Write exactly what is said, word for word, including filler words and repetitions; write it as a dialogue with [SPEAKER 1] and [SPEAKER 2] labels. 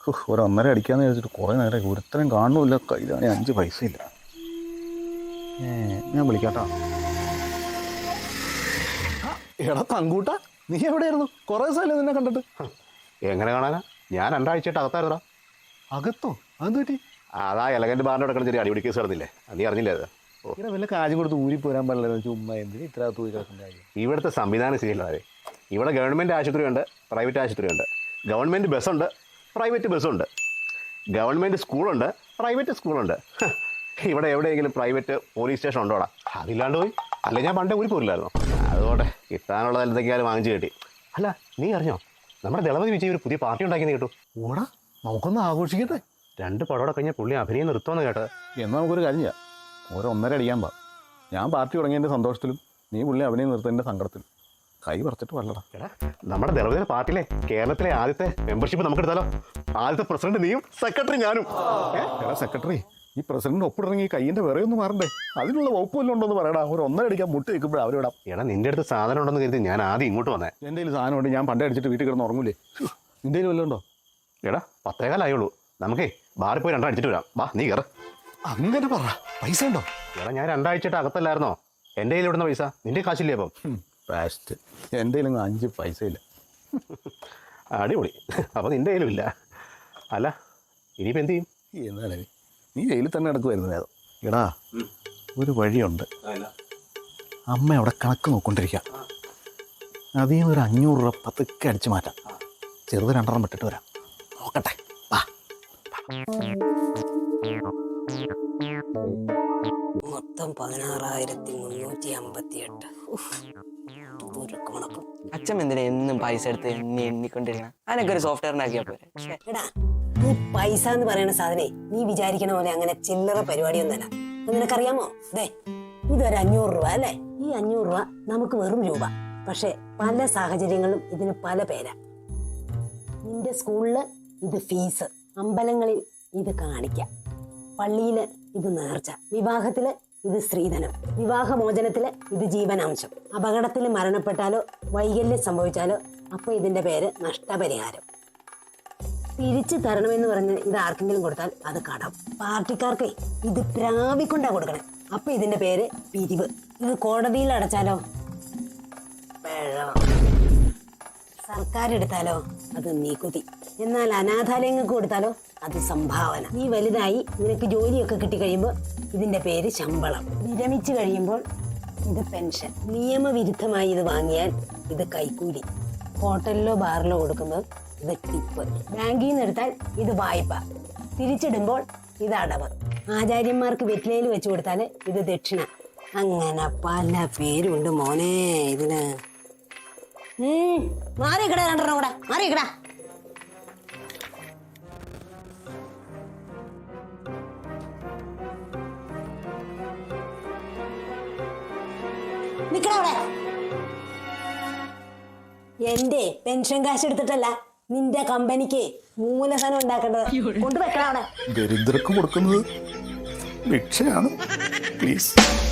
[SPEAKER 1] ഒരു ഒന്നര അടിക്കാന്ന് വിചാരിച്ചിട്ട് കുറേ നേരം ഒരുത്തരം കാണുന്നില്ല. കയ്യിലാണെങ്കിൽ അഞ്ച് പൈസ ഇല്ല. ഏ ഞാൻ വിളിക്കാട്ടോ. എടാ തങ്കൂട്ട, നീ എവിടെയായിരുന്നു? കുറേ ദിവസമല്ലേ നിന്നെ കണ്ടിട്ട്.
[SPEAKER 2] എങ്ങനെ കാണാനാ? ഞാൻ രണ്ടാഴ്ചയായിട്ട് അകത്തായിരുന്നാ.
[SPEAKER 1] അകത്തോ? അതെന്ത് പറ്റി?
[SPEAKER 2] അതാ എലഗന്റ് ബാറിന്റെ കിടക്കുന്ന ചെറിയ അടിപിടി കേസ് നടന്നില്ലേ? നീ അറിഞ്ഞില്ലേ അത്?
[SPEAKER 1] ഇങ്ങനെ വല്ല കാര്യം കൊടുത്ത് ഊരി പോരാൻ പാടില്ല. ചുമ്മാ എന്തിന് ഇത്ര ഊരി കിടക്കുന്ന കാര്യം?
[SPEAKER 2] ഇവിടുത്തെ സംവിധാനം ശരിയല്ലാതെ. ഇവിടെ ഗവൺമെൻറ് ആശുപത്രിയുണ്ട്, പ്രൈവറ്റ് ആശുപത്രിയുണ്ട്. ഗവൺമെൻറ് ബസ്സുണ്ട്, പ്രൈവറ്റ് ബസ്സുണ്ട്. ഗവൺമെൻറ് സ്കൂളുണ്ട്, പ്രൈവറ്റ് സ്കൂളുണ്ട്. ഇവിടെ എവിടെയെങ്കിലും പ്രൈവറ്റ് പോലീസ് സ്റ്റേഷൻ ഉണ്ടോടാ? അതില്ലാണ്ട് പോയി. അല്ലെ ഞാൻ പണ്ടേ ഊരി പോരില്ലായിരുന്നു. അതുകൊണ്ട് കിട്ടാനുള്ള എന്തൊക്കെയാലും വാങ്ങിച്ചു കിട്ടി. അല്ല, നീ അറിഞ്ഞോ നമ്മുടെ ദളപതി വിജയ് ഒരു പുതിയ പാർട്ടി ഉണ്ടാക്കിയെന്ന് കേട്ടു?
[SPEAKER 1] ഓടാ, നമുക്കൊന്ന് ആഘോഷിക്കട്ടെ.
[SPEAKER 2] രണ്ട് പടോടെ കഴിഞ്ഞാൽ പുള്ളി അഭിനയം നിർത്തുമെന്ന് കേട്ടത്.
[SPEAKER 1] എന്നാൽ നമുക്കൊരു കാര്യം ചെയ്യാം. ഓരോ ഒന്നര അടിക്കാൻ പാ. ഞാൻ പാർട്ടി തുടങ്ങിയതിൻ്റെ സന്തോഷത്തിലും നീ പുള്ളി അഭിനയം നിർത്തുന്നതിൻ്റെ സങ്കടത്തിലും. കൈ പറിച്ചിട്ട് വല്ലടാ.
[SPEAKER 2] എടാ, നമ്മുടെ ദളപതിയുടെ പാർട്ടിയിലെ കേരളത്തിലെ ആദ്യത്തെ മെമ്പർഷിപ്പ് നമുക്ക് എടുത്താലോ? ആദ്യത്തെ പ്രസിഡന്റ് നീയും സെക്രട്ടറി ഞാനും.
[SPEAKER 1] എടാ സെക്രട്ടറി, ഈ പ്രസിഡന്റ് ഒപ്പിടങ്ങി കൈയിൻ്റെ വിറ ഒന്ന് മാറണ്ടേ? അതിനുള്ള വകുപ്പ് വല്ലതും ഉണ്ടോന്ന് പറയടാ. ഒരു ഒന്നര അടിക്കാൻ മുട്ട് വെക്കുമ്പോഴേ അവരിടാം.
[SPEAKER 2] എടാ, നിന്റെ അടുത്ത് സാധനം ഉണ്ടെന്ന് കരുതി ഞാൻ ആദ്യം ഇങ്ങോട്ട് വന്നേ.
[SPEAKER 1] എൻ്റെ കയ്യിൽ സാധനം ഉണ്ട്. ഞാൻ പണ്ടേ അടിച്ചിട്ട് വീട്ടിൽ കിടന്ന് ഉറങ്ങൂലേ? നിൻ്റെ കയ്യിൽ വല്ലതും ഉണ്ടോ?
[SPEAKER 2] എടാ, പത്തേകാലായുള്ളൂ. നമുക്കേ ബാറിൽ പോയി രണ്ടാം അടിച്ചിട്ട് വരാം. വാ, നീ കയറ.
[SPEAKER 1] അങ്ങനെ പറ. പൈസ ഉണ്ടോ?
[SPEAKER 2] എടാ, ഞാൻ രണ്ടാഴ്ചയായിട്ട് അകത്തല്ലായിരുന്നോ? എൻ്റെ കയ്യിൽ ഇവിടുന്ന പൈസ നിന്റെ കാശില്ലേ? അപ്പം
[SPEAKER 1] ഫാസ്റ്റ്. എൻ്റെ കയ്യിലൊന്നും അഞ്ച് പൈസ ഇല്ല.
[SPEAKER 2] അടിപൊളി. അപ്പം നിന്റെ കയ്യിലും ഇല്ല. അല്ല, ഇനിയിപ്പോൾ എന്ത് ചെയ്യും?
[SPEAKER 1] എന്നാലേ നീ ജയിലിൽ തന്നെ നടക്കുമായിരുന്നു വേദം. എടാ, ഒരു വഴിയുണ്ട്. അമ്മ അവിടെ കണക്ക് നോക്കൊണ്ടിരിക്കുക. അതിൽ നിന്ന് ഒരു അഞ്ഞൂറ് രൂപ പതുക്കെ അടിച്ചു മാറ്റാം. ചെറുത് രണ്ടെണ്ണം വിട്ടിട്ട് വരാം. നോക്കട്ടെ, വാ.
[SPEAKER 3] മൊത്തം പതിനാറായിരത്തി മുന്നൂറ്റി അമ്പത്തി എട്ട്.
[SPEAKER 4] അച്ഛൻ എന്തിനാ എന്നും പൈസ എടുത്ത് എണ്ണി എണ്ണിക്കൊണ്ടിരിക്കണം? അതിനൊക്കെ ഒരു സോഫ്റ്റ്വെയർ ഉണ്ടാക്കിയാ പോരെ.
[SPEAKER 3] എടാ, ഈ പൈസ എന്ന് പറയുന്ന സാധനേ നീ വിചാരിക്കണ പോലെ അങ്ങനെ ചില്ലറ പരിപാടിയൊന്നല്ല. നിനക്കറിയാമോ? ദേ, ഇതൊരു അഞ്ഞൂറ് രൂപ അല്ലേ? ഈ അഞ്ഞൂറ് രൂപ നമുക്ക് വെറും രൂപ. പക്ഷെ പല സാഹചര്യങ്ങളിലും ഇതിന് പല പേരാ. നിന്റെ സ്കൂളില് ഇത് ഫീസ്, അമ്പലങ്ങളിൽ ഇത് കാണിക്കാം, പള്ളിയില് ഇത് നേർച്ച, വിവാഹത്തില് ഇത് സ്ത്രീധനം, വിവാഹമോചനത്തില് ഇത് ജീവനാംശം, അപകടത്തിൽ മരണപ്പെട്ടാലോ വൈകല്യം സംഭവിച്ചാലോ അപ്പൊ ഇതിന്റെ പേര് നഷ്ടപരിഹാരം. തിരിച്ചു തരണമെന്ന് പറഞ്ഞ് ഇത് ആർക്കെങ്കിലും കൊടുത്താൽ അത് കടം. പാർട്ടിക്കാർക്ക് ഇത് പ്രാപിക്കൊണ്ടാ കൊടുക്കണേ. അപ്പൊ ഇതിന്റെ പേര് പിരിവ്. ഇത് കോടതിയിൽ അടച്ചാലോ പിഴവ്. സർക്കാർ എടുത്താലോ അത് നികുതി. എന്നാൽ അനാഥാലയങ്ങൾക്ക് കൊടുത്താലോ അത് സംഭാവന. നീ വലുതായി നിനക്ക് ജോലിയൊക്കെ കിട്ടിക്കഴിയുമ്പോൾ ഇതിന്റെ പേര് ശമ്പളം. വിരമിച്ചു കഴിയുമ്പോൾ ഇത് പെൻഷൻ. നിയമവിരുദ്ധമായി ഇത് വാങ്ങിയാൽ ഇത് കൈക്കൂലി. ഹോട്ടലിലോ ബാറിലോ കൊടുക്കുമ്പോൾ ഇത് ടിപ്പ്. ബാങ്കിൽ നിന്ന് എടുത്താൽ ഇത് വായ്പ. തിരിച്ചിടുമ്പോൾ ഇത് അടവ്. ആചാര്യന്മാർക്ക് വെറ്റിലയിൽ വെച്ച് കൊടുത്താൽ ഇത് ദക്ഷിണ. അങ്ങനെ പല പേരുണ്ട് മോനെ ഇതിന്. മാറിക്കട രണ്ടെണ്ണം കൂടെ മാറിക്കട. നിക്കടവിടെ. എന്റെ പെൻഷൻ കാശ് എടുത്തിട്ടല്ല നിന്റെ കമ്പനിക്ക് മൂലധനം ഉണ്ടാക്കേണ്ടത്. കൊണ്ടുവെക്കണം അവിടെ.
[SPEAKER 1] ദരിദ്രർക്ക് കൊടുക്കുന്നത് ഭിക്ഷയാണ്. പ്ലീസ്.